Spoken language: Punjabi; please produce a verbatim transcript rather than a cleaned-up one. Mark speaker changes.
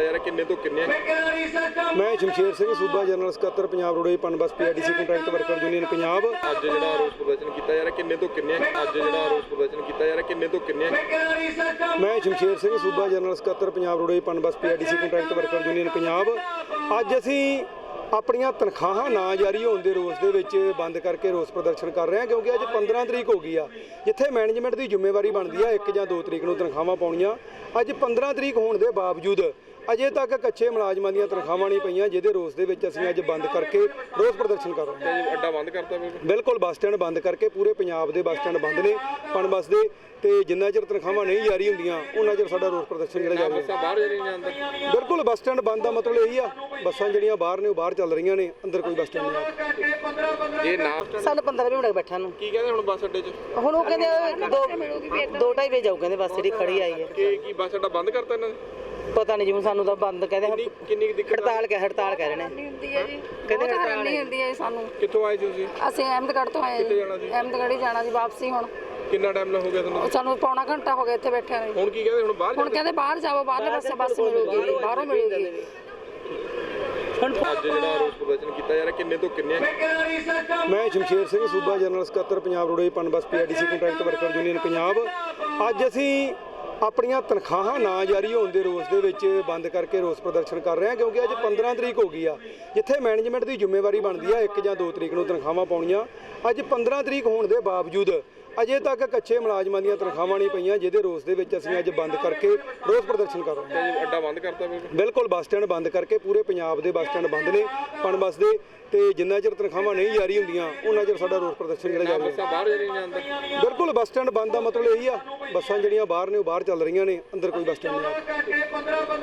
Speaker 1: जा रहा किन्ने तो किन्ने?
Speaker 2: मैं शमशेर सिंह सूबा जनरल सकत्तर Punjab roadways PUNBUS PRTC contract worker union Punjab.
Speaker 1: अज जिहड़ा रोस प्रदर्शन किया जा रहा किन्ने तो किन्ने? अज जिहड़ा रोस प्रदर्शन किया जा रहा किन्ने तो किन्ने?
Speaker 2: मैं शमशेर सिंह सूबा जनरल सकत्तर Punjab roadways PUNBUS PRTC contract worker union Punjab. अज असीं ਆਪਣੀਆਂ ਤਨਖਾਹਾਂ ਨਾ ਜਾਰੀ ਹੋਣ ਦੇ ਰੋਸ ਦੇ ਵਿੱਚ ਬੰਦ ਕਰਕੇ ਰੋਸ ਪ੍ਰਦਰਸ਼ਨ ਕਰ ਰਹੇ ਹਾਂ, ਕਿਉਂਕਿ ਅੱਜ ਪੰਦਰਾਂ ਤਰੀਕ ਹੋ ਗਈ ਆ, ਜਿੱਥੇ ਮੈਨੇਜਮੈਂਟ ਦੀ ਜ਼ਿੰਮੇਵਾਰੀ ਬਣਦੀ ਆ ਇੱਕ ਜਾਂ ਦੋ ਤਰੀਕ ਨੂੰ ਤਨਖਾਹਾਂ ਪਾਉਣੀਆਂ। ਅੱਜ ਪੰਦਰਾਂ ਤਰੀਕ ਹੋਣ ਦੇ ਬਾਵਜੂਦ ਅਜੇ ਤੱਕ ਕੱਚੇ ਮੁਲਾਜ਼ਮਾਂ ਦੀਆਂ ਤਨਖਾਹਾਂ ਨਹੀਂ ਪਈਆਂ, ਜਿਹਦੇ ਰੋਸ ਦੇ ਵਿੱਚ ਅਸੀਂ ਅੱਜ ਬੰਦ ਕਰਕੇ ਰੋਸ ਪ੍ਰਦਰਸ਼ਨ ਕਰ ਰਹੇ ਹਾਂ।
Speaker 1: ਅੱਡਾ ਬੰਦ ਕਰਤਾ
Speaker 2: ਬਿਲਕੁਲ, ਬੱਸ ਸਟੈਂਡ ਬੰਦ ਕਰਕੇ ਪੂਰੇ ਪੰਜਾਬ ਦੇ ਬੱਸ ਸਟੈਂਡ ਬੰਦ ਨੇ ਪਨਬਸ ਦੇ, ਤੇ ਜਿੰਨਾ ਚਿਰ ਤਨਖਾਹਾਂ ਨਹੀਂ ਜਾਰੀ ਹੁੰਦੀਆਂ ਉਹਨਾਂ ਚਿਰ ਸਾਡਾ ਰੋਸ ਪ੍ਰਦਰਸ਼ਨ ਜਿਹੜਾ ਜਾਰੀ
Speaker 1: ਬੱਸਾਂ ਬਾਹਰ ਜਾ ਰਹੀਆਂ ਅੰਦਰ।
Speaker 2: ਬਿਲਕੁਲ, ਬੱਸ ਸਟੈਂਡ ਬੰਦ ਦਾ ਮਤਲਬ ਇਹੀ ਆ, ਬੱਸਾਂ ਜਿਹੜੀਆਂ ਬਾਹਰ ਨੇ ਉਹ ਬਾਹਰ ਚੱਲ ਰਹੀਆਂ ਨੇ, ਅੰਦਰ ਕੋਈ ਬੱਸ ਸਟੈਂਡ ਨਹੀਂ।
Speaker 1: ਇਹ ਨਾ
Speaker 3: ਸਾਨੂੰ ਪੰਦਰਾਂ ਵੀਹ ਮਿੰਟ ਬੈਠਾ ਨੂੰ
Speaker 1: ਕੀ ਕਹਿੰਦੇ ਹੁਣ ਬੱਸ ਅੱਡੇ 'ਚ?
Speaker 3: ਹੁਣ ਉਹ ਕਹਿੰਦੇ ਦੋ ਦੋ ਢਾਈ ਵਜੇ ਜਾਊ, ਕਹਿੰਦੇ ਬੱਸ ਜਿਹੜੀ ਖੜੀ ਆਈ ਹੈ।
Speaker 1: ਕੀ ਕੀ ਬੱਸ ਅੱਡਾ ਬੰਦ ਕਰਤਾ ਇਹਨਾਂ ਨੇ?
Speaker 3: ਪਤਾ ਨਹੀਂ ਜੀ, ਸਾਨੂੰ ਤਾਂ ਬੰਦ ਕਹਿੰਦੇ,
Speaker 1: ਕਿੰਨੀ ਕੁ ਦਿੱਕਤ
Speaker 3: ਹੜਤਾਲ ਕਹਿ ਹੜਤਾਲ ਕਹਿ ਰਹੇ ਨੇ।
Speaker 4: ਹੁੰਦੀ ਹੈ ਜੀ,
Speaker 3: ਕਹਿੰਦੇ
Speaker 4: ਬਹੁਤ
Speaker 3: ਹੜਤਾਲ
Speaker 4: ਹੈਰਾਨੀ ਹੁੰਦੀ ਹੈ ਸਾਨੂੰ।
Speaker 1: ਕਿੱਥੋਂ ਆਏ ਸੀ ਤੁਸੀਂ?
Speaker 4: ਅਸੀਂ ਅਹਿਮਦਗੜ੍ਹ ਤੋਂ ਆਏ
Speaker 1: ਕਿੱਥੇ
Speaker 4: ਜੀ,
Speaker 1: ਜਾਣਾ ਸੀ?
Speaker 4: ਅਹਿਮਦਗੜ੍ਹ ਹੀ ਜਾਣਾ ਸੀ ਵਾਪਸੀ। ਹੁਣ
Speaker 1: ਕਿੰਨਾ ਟਾਈਮ ਲੱਗ ਹੋ ਗਿਆ ਤੁਹਾਨੂੰ?
Speaker 4: ਸਾਨੂੰ ਪੌਣਾ ਘੰਟਾ ਹੋ ਗਿਆ ਇੱਥੇ ਬੈਠੇ ਨੂੰ।
Speaker 1: ਹੁਣ ਕੀ ਕਹਿੰਦੇ ਹੁਣ ਬਾਹਰ
Speaker 4: ਹੁਣ ਕਹਿੰਦੇ ਬਾਹਰ ਜਾਓ, ਬਾਹਰਲੇ ਪਾਸੇ ਬੱਸ ਮਿਲੂਗੀ, ਬਾਹਰੋਂ ਮਿਲੂਗੀ।
Speaker 1: ਅੱਜ ਜਿਹੜਾ ਰੋਸ ਪ੍ਰਦਰਸ਼ਨ ਕੀਤਾ ਜਾ ਰਿਹਾ ਕਿੰਨੇ ਤੋਂ ਕਿੰਨੇ?
Speaker 2: ਮੈਂ ਸ਼ਮਸ਼ੇਰ ਸਿੰਘ सूबा जनरल ਸਕੱਤਰ Punjab roadways PUNBUS PRTC contract worker union Punjab. ਅੱਜ ਅਸੀਂ ਆਪਣੀਆਂ ਤਨਖਾਹਾਂ ਨਾ ਜਾਰੀ ਹੋਣ ਦੇ ਰੋਸ ਦੇ ਵਿੱਚ ਬੰਦ ਕਰਕੇ ਰੋਸ ਪ੍ਰਦਰਸ਼ਨ ਕਰ ਰਹੇ ਹਾਂ, ਕਿਉਂਕਿ ਅੱਜ ਪੰਦਰਾਂ ਤਰੀਕ ਹੋ ਗਈ ਆ, ਜਿੱਥੇ ਮੈਨੇਜਮੈਂਟ ਦੀ ਜ਼ਿੰਮੇਵਾਰੀ ਬਣਦੀ ਆ ਇੱਕ ਜਾਂ ਦੋ ਤਰੀਕ ਨੂੰ ਤਨਖਾਹਾਂ ਪਾਉਣੀਆਂ। ਅੱਜ ਪੰਦਰਾਂ ਤਰੀਕ ਹੋਣ ਦੇ ਬਾਵਜੂਦ ਅਜੇ ਤੱਕ ਕੱਚੇ ਮੁਲਾਜ਼ਮਾਂ ਦੀਆਂ ਤਨਖਾਹਾਂ ਨਹੀਂ ਪਈਆਂ, ਜਿਹਦੇ ਰੋਸ ਦੇ ਵਿੱਚ ਅਸੀਂ ਅੱਜ ਬੰਦ ਕਰਕੇ ਰੋਸ ਪ੍ਰਦਰਸ਼ਨ ਕਰ ਰਹੇ ਹਾਂ।
Speaker 1: ਅੱਡਾ ਬੰਦ ਕਰਤਾ
Speaker 2: ਬਿਲਕੁਲ, ਬੱਸ ਸਟੈਂਡ ਬੰਦ ਕਰਕੇ ਪੂਰੇ ਪੰਜਾਬ ਦੇ ਬੱਸ ਸਟੈਂਡ ਬੰਦ ਨੇ ਪਨਬਸ ਦੇ, ਤੇ ਜਿੰਨਾ ਚਿਰ ਤਨਖਾਹਾਂ ਨਹੀਂ ਜਾਰੀ ਹੁੰਦੀਆਂ ਉਹਨਾਂ ਚਿਰ ਸਾਡਾ ਰੋਸ ਪ੍ਰਦਰਸ਼ਨ ਜਿਹੜਾ ਜਾਰੀ
Speaker 1: ਬੱਸਾਂ ਬਾਹਰ ਜਾ ਰਹੀਆਂ ਅੰਦਰ।
Speaker 2: ਬਿਲਕੁਲ, ਬੱਸ ਸਟੈਂਡ ਬੰਦ ਦਾ ਮਤਲਬ ਇਹੀ ਆ, ਬੱਸਾਂ ਜਿਹੜੀਆਂ ਬਾਹਰ ਨੇ ਉਹ ਬਾਹਰ ਚੱਲ ਰਹੀਆਂ ਨੇ, ਅੰਦਰ ਕੋਈ ਬੱਸ ਸਟੈਂਡ ਨਹੀਂ।